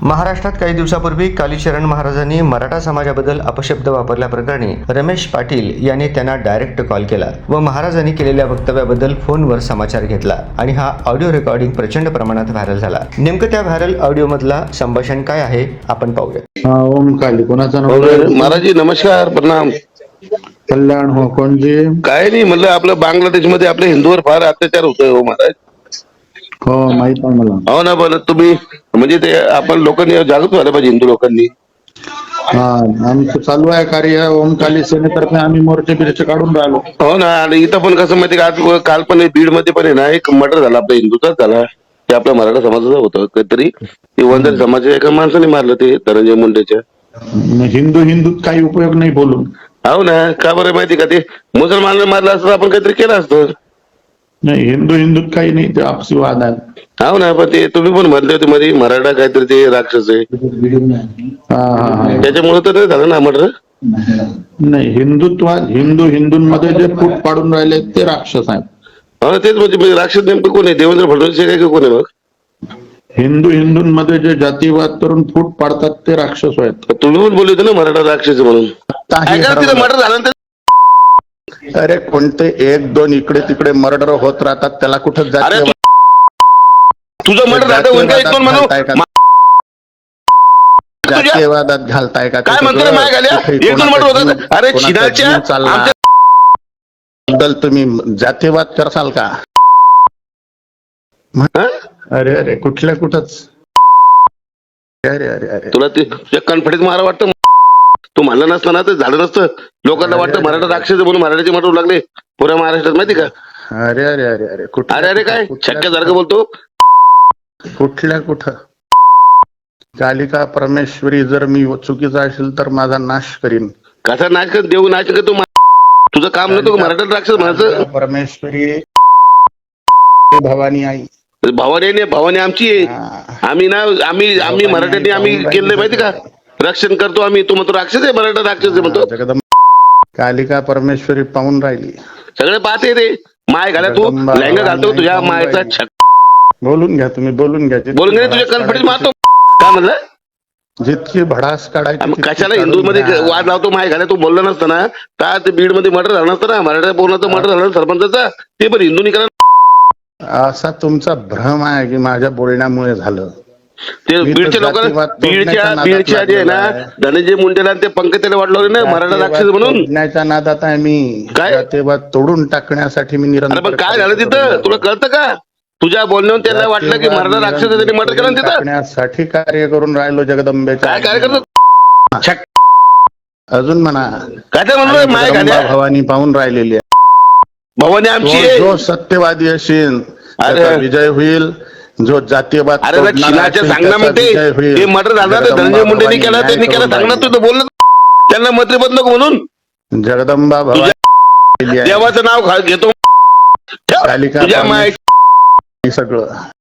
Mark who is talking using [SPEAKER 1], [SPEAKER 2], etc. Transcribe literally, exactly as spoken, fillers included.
[SPEAKER 1] महाराष्ट्रात काही दिवसापूर्वी कालीचरण महाराजांनी मराठा समाजाबद्दल अपशब्द वापरल्याप्रकरणी रमेश पाटील यांनी त्यांना डायरेक्ट कॉल केला व महाराजांनी केलेल्या वक्तव्याबद्दल फोनवर समाचार घेतला आणि हा ऑडिओ रेकॉर्डिंग प्रचंड प्रमाणात व्हायरल झाला। नेमकं त्या व्हायरल ऑडिओ मधला संभाषण काय आहे आपण पाहूया।
[SPEAKER 2] हा, ओम काली कोणाचा नंबर?
[SPEAKER 3] महाराज जी नमस्कार, प्रणाम।
[SPEAKER 2] कल्याण हो, कोण जी?
[SPEAKER 3] काय नाही म्हणलं, आपलं बांगलादेश मध्ये आपल्या हिंदूवर फार अत्याचार होतोय हो महाराज।
[SPEAKER 2] हो माहित आहे मला।
[SPEAKER 3] हो ना, पण तुम्ही म्हणजे ते आपण लोकांनी जागृत व्हायला पाहिजे, हिंदू लोकांनी।
[SPEAKER 2] हा, आमचं चालू आहे कार्य ओम काली सेनेतर्फे, आम्ही मोर्चे बिर्चे काढून राहिलो।
[SPEAKER 3] हो ना, आणि इथं पण कसं माहिती का, आज काल पण बीड मध्ये पण आहे ना, एक मर्डर झाला आपल्या हिंदूचाच झाला, ते आपल्या मराठा समाजाचं होतं काहीतरी, ते वंदर समाजाच्या एका माणसाने मारलं, ते धनंजय मुंडेच्या।
[SPEAKER 2] हिंदू हिंदूत काही उपयोग नाही बोलून।
[SPEAKER 3] हो ना, का बरं माहिती का, ते मुसलमानाला मारलं असतं आपण काहीतरी केलं असतं।
[SPEAKER 2] नाही, हिंदू हिंदूत काही नाही, ते आपसी वाद आहे।
[SPEAKER 3] हो ना, पण ते तुम्ही पण म्हणले होते मध्ये मराठा काहीतरी ते राक्षस आहे,
[SPEAKER 2] हा हा हा,
[SPEAKER 3] त्याच्यामुळे तर नाही झालं ना मर्डर।
[SPEAKER 2] नाही, हिंदुत्वात हिंदू हिंदूंमध्ये जे फूट पाडून राहिले ते राक्षस आहेत।
[SPEAKER 3] हो ना, तेच म्हणजे राक्षस नेमकं कोण आहे? देवेंद्र फडणवीस आहे का कोण आहे मग?
[SPEAKER 2] हिंदू हिंदूंमध्ये जे जातीवाद करून फूट पाडतात ते राक्षस आहेत।
[SPEAKER 3] तुम्ही पण बोलले होते ना मराठा राक्षस म्हणून, तिथं मर्डर झालं।
[SPEAKER 2] अरे कोणते एक दोन इकडे तिकडे मर्डर होत राहतात, त्याला कुठं
[SPEAKER 3] अरे
[SPEAKER 2] जातीय
[SPEAKER 3] तुझं मर्डर झालं एक दोन म्हणून
[SPEAKER 2] जातीयवादात घालताय का?
[SPEAKER 3] काय म्हणतो माय घाल्या, एक दोन मर्डर होतात। अरे चिनाच्या
[SPEAKER 2] बद्दल तुम्ही जातीयवाद करसाल का? अरे अरे कुठल्या कुठंच, अरे अरे अरे
[SPEAKER 3] तुला ते कॉन्फिडन्स मारा वाटतं, तू म्हणलं नसतं ना तर झालं नसतं। लोकांना वाटतं मराठा राक्षस म्हणून मराठ्याचे मर्डर लागले पुऱ्या महाराष्ट्रात, माहिती का?
[SPEAKER 2] अरे अरे अरे अरे
[SPEAKER 3] अरे अरे काय शक्यसारखं बोलतो,
[SPEAKER 2] कुठल्या कुठं? कालिका परमेश्वरी जर मी चुकीचा असेल तर माझा नाश करीन।
[SPEAKER 3] कसा नाच कर, देऊ नाच कर, तू तुझं काम नव्हतं मराठा राक्षस म्हणायचं।
[SPEAKER 2] परमेश्वरी भवानी आई,
[SPEAKER 3] भावाने नाही, भावाने आमची आहे। आम्ही ना आम्ही आम्ही मराठ्यांनी आम्ही केलं माहिती का, रक्षण करतो आम्ही। तू म्हणतो राक्षस आहे, मराठा राक्षस आहे म्हणतो।
[SPEAKER 2] जगदंब कालिका परमेश्वरी पाहून राहिली,
[SPEAKER 3] सगळे पाहते रे। माय घाला तू लहंगा घालतो, तुझ्या मायचा छक
[SPEAKER 2] बोलून घ्या तुम्ही, बोलून घ्या
[SPEAKER 3] बोलून घे, तुझ्या कॉन्फिडन्स मारतो। काय म्हणलं?
[SPEAKER 2] जितकी भडास काढायची
[SPEAKER 3] मग कशाला हिंदू मध्ये वाद लावतो? माय घाला तू बोलला नसतं ना, का ते बीड मध्ये मर्डर झालं नसतं ना, मराठा पूर्णाचं मर्डर झालं सरपंचाचा, ते पण हिंदूंनी करा।
[SPEAKER 2] असा तुमचा भ्रम आहे की माझ्या बोलण्यामुळे झालं।
[SPEAKER 3] ते बीडच्या लोकांना, बीडच्या बीडच्या जे आहे ना धनंजय मुंडेला ते पंकजाला वाटलं ना मराठा राक्षस म्हणून,
[SPEAKER 2] तोडण्याच्या नादात आहे मी।
[SPEAKER 3] काय
[SPEAKER 2] तेव्हा तोडून टाकण्यासाठी मी निरंतर।
[SPEAKER 3] पण काय झालं तिथं तुला कळतं का? तुझ्या बोलण्यावर त्यांना वाटलं की मराठा राक्षस त्यांनी मर्डर केलं तिथं,
[SPEAKER 2] टाकण्यासाठी कार्य करून राहिलो जगदंबेच्या।
[SPEAKER 3] काय कार्य करतो?
[SPEAKER 2] अजून म्हणा
[SPEAKER 3] काय म्हणलं माय घाल्या,
[SPEAKER 2] भवानी पाहून राहिलेली आहे।
[SPEAKER 3] भवानी आमची आहे।
[SPEAKER 2] जो सत्यवादी असेल त्याचा विजय होईल, जो जातीयवाद
[SPEAKER 3] अरे चिनाच्या सांगणार म्हणते ते मर्डर झालं ते धनंजय मुंडेंनी केलं, त्यांनी केलं, सांगणार तुझं बोलणं त्यांना मंत्रिपद नको म्हणून।
[SPEAKER 2] जगदंबा भवानी
[SPEAKER 3] देवाचं नाव घेतो,
[SPEAKER 2] कालिका
[SPEAKER 3] तुझ्या माय
[SPEAKER 2] सगळं